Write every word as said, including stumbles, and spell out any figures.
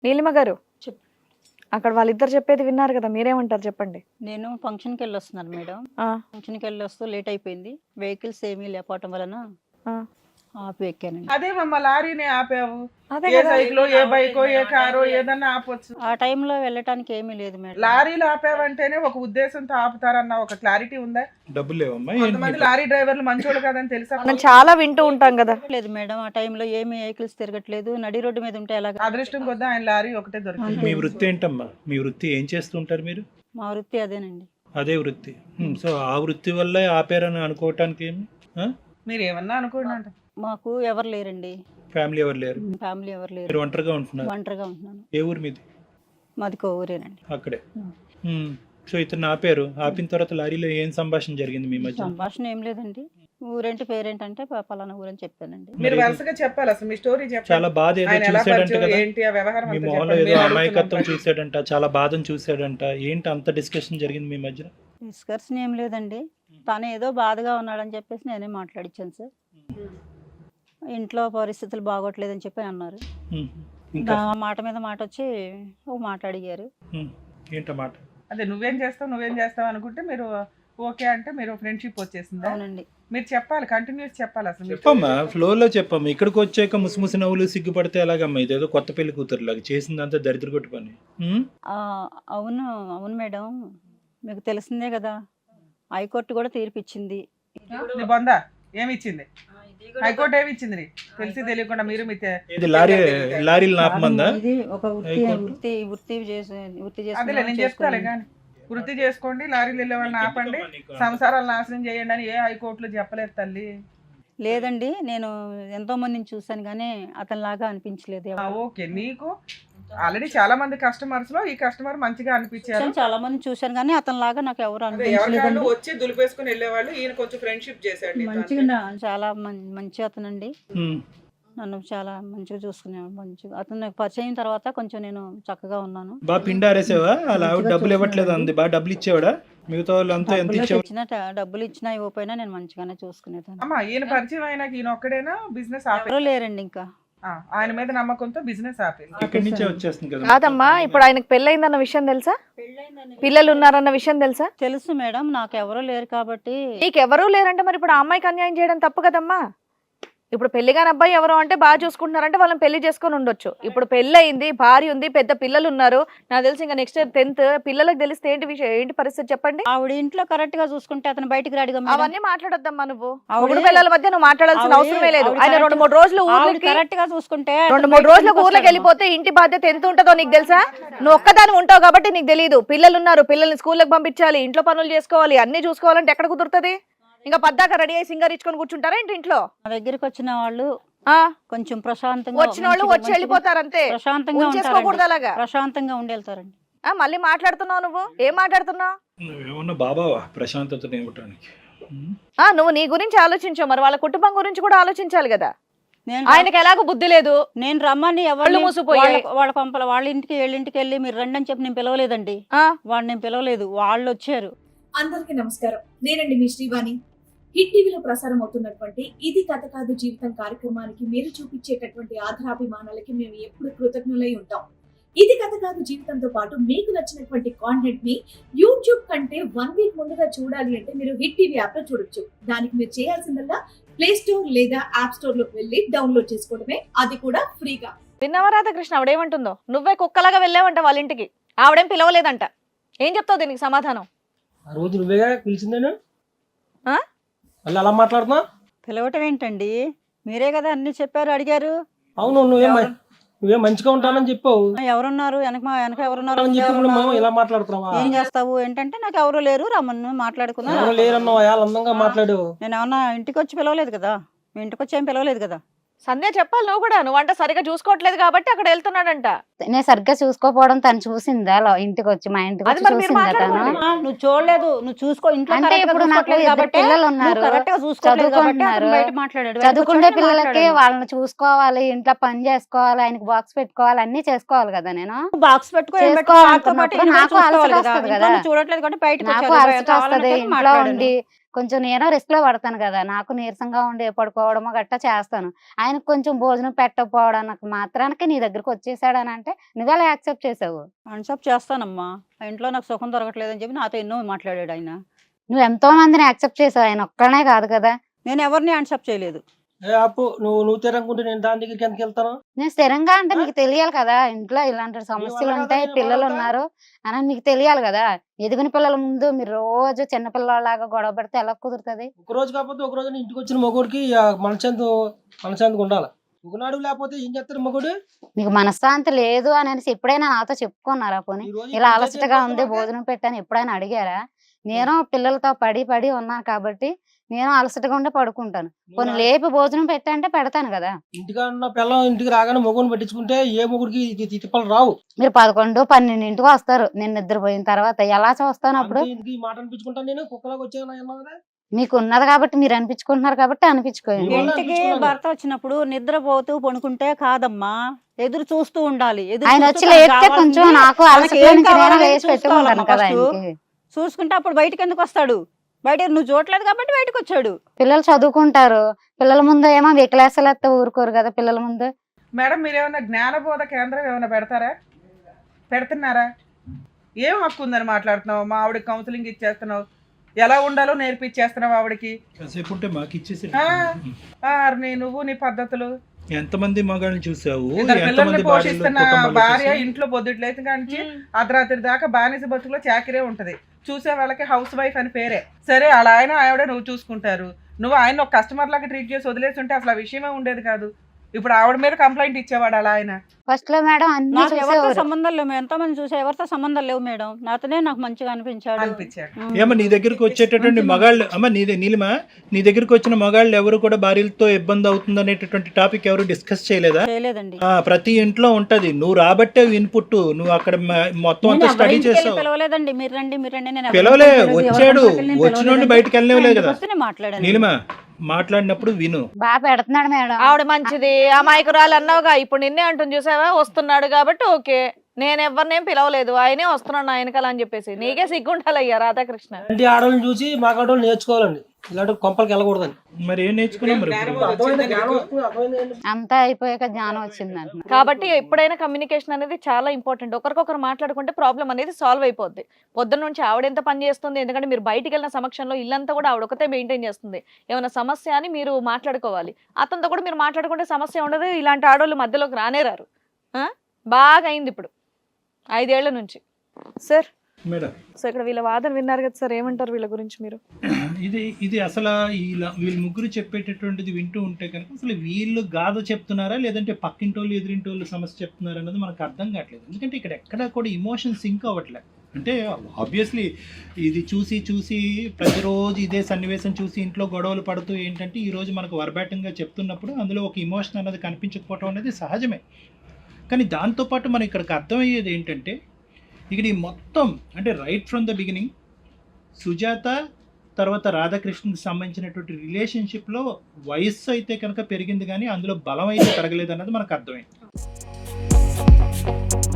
నీలిమ గారు చెప్ అక్కడ వాళ్ళిద్దరు చెప్పేది విన్నారు కదా, మీరేమంటారు చెప్పండి. నేను ఫంక్షన్కి వెళ్ళి వస్తున్నాను మేడం. ఆ, ఫంక్షన్కి వెళ్ళి వస్తూ లేట్ అయిపోయింది. వెహికల్స్ ఏమీ లేకపోవటం వలన ఆ. ఆపి ఎక్కానండి. అదేమమ్మా లారీని ఆపావు, అదే ఏ కదా. సైకిలో ఏ బైకో ఏ కారో ఏదన్నా ఆపొచ్చు. ఆ టైంలో వెళ్ళటానికి ఏమీ లేదు మేడం. లారీలు ఆపావంటేనే ఒక ఉద్దేశంతో ఆపుతారన్న ఒక క్లారిటీ ఉందా? డబ్బులు లేవమ్మా కొంతమంది లారీ డ్రైవర్లు మంచోళ్ళు కాదని తెలుసా? మనం చాలా వింటూ ఉంటాం కదా. లేదు మేడం, ఆ టైంలో ఏమీ వెహికల్స్ తిరగట్లేదు. నడి రోడ్డు మీద ఉంటే ఎలాగ? అదృష్టం కొద్ది ఆయన లారీ ఒకటే దొరికింది. మీ వృత్తి ఏంటమ్మా? మీ వృత్తి ఏం చేస్తుంటారు మీరు? మా వృత్తి అదేనండి. అదే వృత్తి. హ్మ్, సో ఆ వృత్తి వల్లే ఆపారని అనుకోవటానికి ఏమి? మీరు ఏమన్నా అనుకోండి అంట. మాకు ఎవరు లేరండి, ఫ్యామిలీ ఎవరు లేరు? ఫ్యామిలీ ఎవరు లేరు. మీరు ఒంటరిగా ఉంటున్నారు? ఒంటరిగా ఉంటున్నాను. ఏ ఊరు మీది? మాది కో ఊరేనండి. అక్కడే. హ్మ్, సో ఇతను ఆపారు. ఆపిన తర్వాత లారీలో ఏం సంభాషణ జరిగింది మీ మధ్య? సంభాషణ ఏం లేదండి. ఊరేంటి పేరేంటంటే ప- పలానా ఊరని చెప్పానండి. మీరు వరుసగా చెప్పాలి అసలు మీ స్టోరీ చెప్పాలి. చాలా బాధ ఏదో ఆయన ఎలా చూసాడంట పరిచయం కదా, ఏంటి ఆ వ్యవహారం మీ అంతా మొహంలో చెప్పండి. ఏదో మేము అమాయకత్వం అడుగుతున్నాం. చూసాడంట, చాలా బాధను చూసాడంట. ఏంటి అంత డిస్కషన్ జరిగింది మీ మధ్య? డిస్కషన్ ఏం లేదండి. తను ఏదో బాధగా ఉన్నాడని చెప్పేసి నేనే మాట్లాడిచ్చాను సార్. ఇంట్లో పరిస్థితులు బాగోట్లేదని చెప్పి అన్నారు. హ్మ్, ఇంకా నా మాట మీద మాట వచ్చి ఒక మాట అడిగారు. హ్మ్, ఏంటో మాట? అదే నువ్వేం చేస్తావు నువ్వేం చేస్తావు అనుకుంటే మీరు ఓకే అంటే మీరు ఫ్రెండ్షిప్ వచ్చేసిందా? అవునండి. మీరు చెప్పాలి, కంటిన్యూస్ చెప్పాలి అసలు మీ చెప్పమ్మా, ఫ్లోలో చెప్పమ్మా. ఇక్కడికి వచ్చాక ముసిముసి నవ్వులు సిగ్గుపడితే ఎలాగమ్మా? ఇదేదో కొత్త పెళ్లి కూతురు లాగా చేసిందంతా దరిద్ర కొట్టు పని. హ్మ్? ఆ, అవును అవును మేడం, మీకు తెలిసిందే కదా, హైకోర్టు కూడా తీర్పిచ్చింది. నీ బొందా ఏమి ఇచ్చింది? హైకోర్టు ఏమి ఇచ్చింది నీ? తెలిసి తెలియకుండా మీరు మీ తె- ఇది లారీ లారీలు నాపమందా? ఇది ఒక వృత్తి హైకోర్టు. వృత్తి వృత్తి చేసి వృత్తి అదేలే నేను చెప్తాలే చేసుకుని కానీ వృత్తి చేసుకోండి, లారీలు వెళ్ళే వాళ్ళని ఆపండి, సంసారాలు నాశనం చేయండి అని ఏ హైకోర్టులో చెప్పలేదు తల్లి. లేదండి. నేను ఎంతో మందిని చూశాను కానీ అతనిలాగా అనిపించలేదు ఆ, ఎవరు. ఓకే, నీకు ఆల్రెడీ చాలా మంది కస్టమర్స్ లో ఈ కస్టమర్ మంచిగా అనిపించారు. చాలా మంది చూశాను కానీ అతనిలాగా నాకు ఎవరు అదే ఎవరికాళ్ళు అనిపించలేదండి. వచ్చి దులిపేసుకుని వెళ్ళేవాళ్ళు, ఈయన కొంచెం ఫ్రెండ్షిప్ చేశాడు నీతో మంచిగా అంతే. నా- చాలా మం- మంచి అతనండి. హ్మ్. నన్ను చాలా మంచిగా చూసుకునేవాడు. మంచిగా అతను నాకు పరిచయం అయిన తర్వాత కొంచెం నేను చక్కగా ఉన్నాను. బాగా పిండి ఆరేసావా? అలా ఆవిడ డబ్బులు ఇవ్వట్లేదు అంది, బాగా డబ్బులు ఇచ్చేవాడా? మిగతా వాళ్ళు అంతా ఎంత డబ్బులు ఇచ్చేవాడు? ఇచ్చిన ట- డబ్బులు ఇచ్చినా ఇవ్వకపోయినా నేను మంచిగానే చూసుకునేదాన్ని. అమ్మా ఈయన పరిచయం అయినాక ఈయన ఒక్కడేనా బిజినెస్ ఆపే? ఎవరూ లేరండి ఇంకా. ఆ, ఆయన మీద నమ్మకంతో బిజినెస్ ఆపేది. ఇక్కడి నుంచే వచ్చేస్తుంది కదా. కాదమ్మా, ఇప్పుడు ఆయనకు పెళ్ళయిందన్న విషయం తెలుసా? పిల్లలు ఉన్నారన్న విషయం తెలుసా? తెలుసు మేడం, నాకు ఎవరూ లేరు కాబట్టి. నీకెవరూ లేరంటే మరి ఇప్పుడు ఆ అమ్మాయికి అన్యాయం చేయడం తప్పు కదమ్మా. ఇప్పుడు పెళ్లిగాని అబ్బాయి ఎవరో అంటే బాగా చూసుకుంటున్నారంటే వాళ్ళని పెళ్లి చేసుకొని ఉండొచ్చు. ఇప్పుడు పెళ్లి అయింది, భార్య ఉంది, పెద్ద పిల్లలు ఉన్నారు. నాకు తెలిసి ఇంకా నెక్స్ట్ ఇయర్ టెన్త్ పిల్లలకు తెలిస్తే ఏంటి విషయం, ఏంటి పరిస్థితి చెప్పండి. ఆవిడ ఇంట్లో కరెక్ట్ గా చూసుకుంటే అతను బయటికి రాడుగా మేడం. అవన్నీ మాట్లాడొద్దమ్మా నువ్వు. ఆవిడ- మొగుడు పిల్లల మధ్య నువ్వు మాట్లాడాల్సిన ఆవిడ- అవసరమే లేదు. ఆవిడ ఆయన రెండు కరెక్ట్- మూడు రోజులు ఆవిడ ఊర్లకి కరెక్ట్ గా చూసుకుంటే రెండు అతను మూడు బయటికి రోజులకు ఎందుకు ఊర్లోకి వస్తాడు? వెళ్ళిపోతే ఇంటి బాధ్యత ఎంత ఉంటుందో నీకు తెలుసా? నువ్వు ఒక్కదాని ఉంటావు కాబట్టి నీకు తెలియదు. పిల్లలు ఉన్నారు, పిల్లల్ని స్కూల్కి పంపించాలి, ఇంట్లో పనులు చేసుకోవాలి, అన్ని చూసుకోవాలంటే ఎక్కడ కుదురుతుంది? ఇంకా పద్దాక రెడీ అయ్యి సింగర్ ఇచ్చుకొని కూర్చుంటారా ఏంటి ఇంట్లో? నా దగ్గరికి వచ్చిన వాళ్ళు ఆ కొంచెం ప్రశాంతంగా వచ్చిన వాళ్ళు మంచిగా- వచ్చి వెళ్ళిపోతారు అంతే. ప్రశాంతంగా ఉంచేసుకోకూడదు ఉంటారండి. అలాగా. ప్రశాంతంగా ఉండి వెళ్తారండి. ఆ మళ్ళీ మాట్లాడుతున్నావు నువ్వు, ఏం మాట్లాడుతున్నావు? నువ్వేమన్నా బాబావా ప్రశాంతతను ఇవ్వటానికి? హ్మ్? ఆ నువ్వు నీ గురించి ఆలోచించావు, మరి వాళ్ళ కుటుంబం గురించి కూడా ఆలోచించాలి కదా. నేను ఆయనకి ఎలాగో బుద్ధి లేదు. నేను రమ్మని ఎవరు కళ్ళు మూసుకుపోయాయి. వాళ్ళ కొంపల వాళ్ళ ఇంటికి వీళ్ళ ఇంటికి వెళ్ళి మీరు రండి అని చెప్పి నేను పిలవలేదండి. ఆ వాళ్ళు నేను పిలవలేదు, వాళ్ళు వచ్చారు. అందరికీ నమస్కారం. నేనండి మీ శ్రీవాణి. హిట్ టీవీలో ప్రసారం అవుతున్నటువంటి ఇది కథ కాదు జీవితం కార్యక్రమానికి మీరు చూపించేటటువంటి ఆధారాభిమానాలకి మేము ఎప్పుడు కృతజ్ఞులై ఉంటాం. ఇది కథ కాదు జీవితంతో పాటు మీకు నచ్చినటువంటి కాంటెంట్ ని యూట్యూబ్ కంటే వన్ వీక్ ముందుగా చూడాలి అంటే మీరు హిట్ టీవీ యాప్ లో చూడొచ్చు. దానికి మీరు చేయాల్సిందల్లా ప్లే స్టోర్ లేదా యాప్ స్టోర్ లోకి వెళ్ళి డౌన్లోడ్ చేసుకోవడమే, అది కూడా ఫ్రీగా. విన్నావా రాధాకృష్ణ ఆవిడేమంటుందో? నువ్వే కుక్కలాగా వెళ్ళావంట వాళ్ళ ఇంటికి, ఆవిడేం పిలవలేదంట. ఏం చెప్తావు దీనికి సమాధానం? ఆ రోజు నువ్వేగా పిలిచిందేనా? ఆ? మళ్ళీ అలా మాట్లాడుతున్నా? పిలవటం ఏంటండి, మీరే కదా అన్ని చెప్పారు, అడిగారు. అవును, నువ్వేం మ- నువ్వేం మంచిగా ఉంటానని చెప్పావు ఆ, ఎవరున్నారు వెనక మా వెనక ఎవరున్నారు అని చెప్పి ఇప్పుడు మేము ఇలా మాట్లాడుతున్నావా? ఏం చేస్తావు ఏంటంటే నాకు ఎవరు లేరు, రమ్మను మాట్లాడుకుందాం. ఎవరు లేరన్నావా? చాలా అందంగా మాట్లాడు. నేను ఏమన్నా ఇంటికి వచ్చి పిలవలేదు కదా, మీ ఇంటికి వచ్చి ఏం పిలవలేదు కదా. సంధ్య చెప్పాలి నువ్వు కూడా, నువ్వంట సరిగా చూసుకోవట్లేదు కాబట్టి అక్కడ వెళ్తున్నాడంట. నేను సరిగ్గా చూసుకోపోవడం తను చూసిందా? లో- ఇంటికి వచ్చి మా ఇంటికి అది వచ్చి మరి మీరు చూసిందా తను? మాట్లాడుకోండి. ఆ, నువ్వు చూడలేదు, నువ్వు చూసుకో ఇంట్లో అంటే correct గా ఇప్పుడు నాకు చూసుకోవట్లేదు ఇద్దరు కాబట్టి, పిల్లలు నువ్వు ఉన్నారు, correct గా చూసుకోవట్లేదు కాబట్టి అతను చదువుకుంటున్నారు. బయట మాట్లాడాడు. చదువుకునే బయటకు వచ్చి పిల్లలకి మాట్లాడాను. వాళ్ళని చూసుకోవాలి, ఇంట్లో పని చేసుకోవాలి, ఆయనకి బాక్స్ పెట్టుకోవాలి, అన్ని చేసుకోవాలి కదా. నేను బాక్స్ పెట్టుకో ఏం పెట్టుకో, వాటితో పాటు చేసుకోవాలనుకున్నప్పుడు ఈయన నాకు కూడా చూసుకోవాలి అలసట కదా. వస్తది ఇంట్లో కదా. నువ్వు చూడట్లేదు కాబట్టి బయటకు నాకు వచ్చారు. అలసట కావాలని వస్తది, చెప్పి ఇంట్లో మాట్లాడాను. ఉండి కొంచెం నేను రిస్క్ లో పడతాను కదా, నాకు నీరసంగా ఉండి పడుకోవడమో గట్టా చేస్తాను. ఆయనకు కొంచెం భోజనం పెట్టకపోవడానికి మాత్రానికి నీ దగ్గరకు వచ్చేసాడని అంటే అంటే నువ్వెలా యాక్సెప్ట్ చేసావు? అన్సప్ చేస్తానమ్మా, ఆ ఇంట్లో నాకు సుఖం దొరకట్లేదని చెప్పి నాతో ఎన్నో మాట్లాడాడు ఆయన. నువ్వు ఎంతో మందిని యాక్సెప్ట్ చేసావు, ఆయన ఒక్కనే కాదు కదా. నేను ఎవరిని అన్సప్ చేయలేదు. ఏ అప్పు నువ్వు నువ్వు తిరగకుంటే నేను దాని దగ్గరికి ఎందుకు వెళ్తాను? నేను స్థిరంగా అంటే నీకు తెలియాలి కదా, ఇంట్లో ఇలాంటి సమస్యలు వల్ల ఉంటాయి, కదా పిల్లలు నేను ఉన్నారు అని మీకు తెలియాలి కదా. ఎదిగిన పిల్లల ముందు మీరు రోజు చిన్న పిల్లలాగా గొడవ పడితే ఎలా కుదురుతుంది? ఒక రోజు కాకపోతే ఒక రోజు ఇంటికి వచ్చిన మగోడికి మనశాంతి మనశాంతిగా ఉండాలి. ఒకనాడు లేకపోతే ఏం చేస్తారు మగోడు? మీకు మనశ్శాంతి లేదు అని అనేసి ఎప్పుడైనా నాతో చెప్పుకున్నారా? పోనీ ఈ రోజు ఇలా ఈ అలసటగా పంచాయతీ ఉంది, చేస్తావా? భోజనం పెట్టాను ఎప్పుడైనా అడిగారా? నేను పిల్లలతో పడి పడి ఉన్నాను కాబట్టి నేను అలసటగా ఉండే పడుకుంటాను. కొన్ని లేపి భోజనం పెట్టంటే పెడతాను కదా. ఇంటిగా ఉన్న పిల్లం ఇంటికి రాగానే మొగుని పట్టించుకుంటే ఏ మొగుడికి ఇది- ఇది తిప్పలు రావు. మీరు పదకొండు పన్నెండింటికి వస్తారు, నేను నిద్రపోయిన తర్వాత ఎలా చూస్తాను అప్పుడు? అంతే ఇంటికి ఈ మాట అనిపించుకుంటాను నేను కుక్కలాగా వచ్చాను. మీకు ఉన్నది కాబట్టి మీరు అనిపించుకుంటున్నారు కాబట్టి అనిపించుకోండి. ఇవాళ ఇంటికి అనిపించుకున్నాను. భర్త వచ్చినప్పుడు నిద్రపోతూ పడుకుంటే కాదమ్మా, ఎదురు చూస్తూ ఉండాలి. ఎదురు ఆయన చూస్తూ వచ్చి తనకు లేపితే కావాల్సింది కొంచెం నాకు తనకి అలసట ఏం నుంచి నేను కావాలో వేసి పెట్టుకుంటాను చూసుకోవాలమ్మా కదా first. ఆయనకి. చూసుకుంటే అప్పుడు బయటకు ఎందుకు వస్తాడు? బయట నువ్వు చూడలేదు కాబట్టి బయటకు వచ్చాడు. పిల్లలు చదువుకుంటారు, పిల్లల ముందు ఏమో వికలాసాలు ఎత్తే ఊరుకోరు కదా పిల్లల ముందు. మేడం మీరు ఏమైనా జ్ఞానబోధ కేంద్రం ఏమైనా పెడతారా? పెడుతున్నారా? ఏం హక్కు ఉందని మాట్లాడుతున్నావు? మా ఆవిడకి కౌన్సిలింగ్ ఇచ్చేస్తున్నావు, ఎలా ఉండాలో నేర్పించేస్తున్నావు ఆవిడకి. కాసేపు ఉంటే మాకు ఇచ్చేసి ఆ, ఆ, నీ నువ్వు నీ పద్ధతులు. ఎంతమంది మగాళ్ళని చూసావు, ఇద్దరు పిల్లల్ని ఎంతమంది భార్యలు పోషిస్తున్న కుటుంబాలు భార్య చూసావు? ఇంట్లో పొద్దుట్లేసి కానించి అర్ధరాత్రి దాకా బానిస బతుకులో చాకిరే ఉంటది. చూసే వాళ్ళకి హౌస్ వైఫ్ అని పేరే. సరే అలా ఆయన ఆవిడ నువ్వు చూసుకుంటారు. నువ్వు ఆయన ఒక కస్టమర్ లాగా ట్రీట్ చేసి వదిలేసి ఉంటే అసలు ఆ విషయమే ఉండేది కాదు. ఇప్పుడు ఆవిడ మీద కంప్లైంట్ ఇచ్చేవాడు అలా ఆయన. ఫస్ట్ లో మేడం అన్ని నాకు ఎవరితో చూసేవారు. సంబంధం లేవు, ఎంతో మంది చూసా, ఎవరితో సంబంధం లేవు మేడం. నాతోనే నాకు మంచిగా అనిపించాడు. అనిపించాడు. ఉం. ఏమో నీ దగ్గరికి వచ్చేటటువంటి మగాళ్ళు అమ్మ నీ నీలిమా నీ దగ్గరికి వచ్చిన మగాళ్ళు ఎవరు కూడా భార్యలతో ఇబ్బంది అవుతుంది అనేటటువంటి టాపిక్ ఎవరు డిస్కస్ చేయలేదా? చేయలేదండి. ఆ, ప్రతి ఇంట్లో ఉంటది. నువ్వు రాబట్టే ఇన్పుట్, నువ్వు అక్కడ మ- మొత్తం నేను అంతా ఎవరి స్టడీ ఇంటికి వెళ్ళి చేసావు. పిలవలేదండి. మీరు రండి మీరు రండి నేను ఎవరి పిలవలే, ఇంటికి పిలవలేదు, ఎవరి వచ్చాడు, ఇంటికి వెళ్ళి నేను వచ్చిన నుండి పిలవలేదండి. బయటికి వెళ్ళలేవు కదా. ఆయన వస్తేనే మాట్లాడాను. నీలిమా మాట్లాడినప్పుడు విను. బాగా పెడుతున్నాడు మేడం. ఆవిడ మంచిది అమాయకురాలు అన్నావుగా, ఇప్పుడు నిన్నే అంటుంది చూసావా, వస్తున్నాడు కాబట్టి ఓకే. నేను ఎవరినేం పిలవలేదు, ఆయనే వస్తున్నాడు నా వెనకాల అని చెప్పేసి. నీకే సిగ్గుండాలయ్యా రాధాకృష్ణ. ఇలాంటి ఆడవాళ్ళని చూసి మాకు ఆడవాళ్ళు నేర్చుకోవాలండి. ఇలాంటి కొంపలకి వెళ్ళకూడదని. మరి ఏం నేర్చుకున్నాం మరి ఇప్పుడు? అర్థమైంది, జ్ఞానం వస్తుంది, అర్థమైంది. అంతా అయిపోయాక జ్ఞానం వచ్చింది అంటున్నా. కాబట్టి ఎప్పుడైనా కమ్యూనికేషన్ అనేది చాలా ఇంపార్టెంట్. ఒకరికొకరు మాట్లాడుకుంటే ప్రాబ్లం అనేది సాల్వ్ అయిపోద్ది. పొద్దున్న నుంచి ఆవిడ ఎంత పని చేస్తుంది, ఎందుకంటే మీరు బయటికి వెళ్ళిన సమక్షంలో ఇల్లంతా కూడా ఆవిడ ఒకతే మెయింటైన్ చేస్తుంది. ఏమైనా సమస్య అని మీరు మాట్లాడుకోవాలి. అతనితో కూడా మీరు మాట్లాడుకుంటే సమస్య ఉండదు. ఇలాంటి ఆడవాళ్ళు మధ్యలోకి రానేరారు. ఆ? బాగా అయింది ఇప్పుడు ఐదేళ్ల నుంచి. సార్ మేడం సో ఇక్కడ వీళ్ళ వాదన విన్నారు కదా సార్, ఏమంటారు వీళ్ళ గురించి మీరు? ఇది ఇది అసలు వీళ్ళ వీళ్ళు ముగ్గురు చెప్పేటటువంటిది వింటూ ఉంటే కనుక అసలు వీళ్ళు గాథ చెప్తున్నారా లేదంటే పక్కింటోళ్ళు ఎదురింటోళ్ళు సమస్య చెప్తున్నారా అన్నది మనకు అర్థం కావట్లేదు. ఎందుకంటే ఇక్కడ ఎక్కడా కూడా ఇమోషన్ సింక్ అవ్వట్లేదు. అంటే ఆబ్వియస్లీ ఇది చూసి చూసి ప్రతిరోజు ఇదే సన్నివేశం చూసి ఇంట్లో గొడవలు పడుతూ ఏంటంటే ఈరోజు మనకు వర్బాటంగా చెప్తున్నప్పుడు అందులో ఒక ఇమోషన్ అనేది కనిపించకపోవడం అనేది సహజమే. కానీ దాంతోపాటు మనం ఇక్కడికి అర్థమయ్యేది ఏంటంటే ఇక్కడ ఈ మొత్తం అంటే right from the beginning Sujatha తర్వాత రాధాకృష్ణకి సంబంధించినటువంటి రిలేషన్షిప్లో వయస్సు అయితే కనుక పెరిగింది కానీ అందులో బలం అయితే పెరగలేదు అన్నది మనకు అర్థమైంది.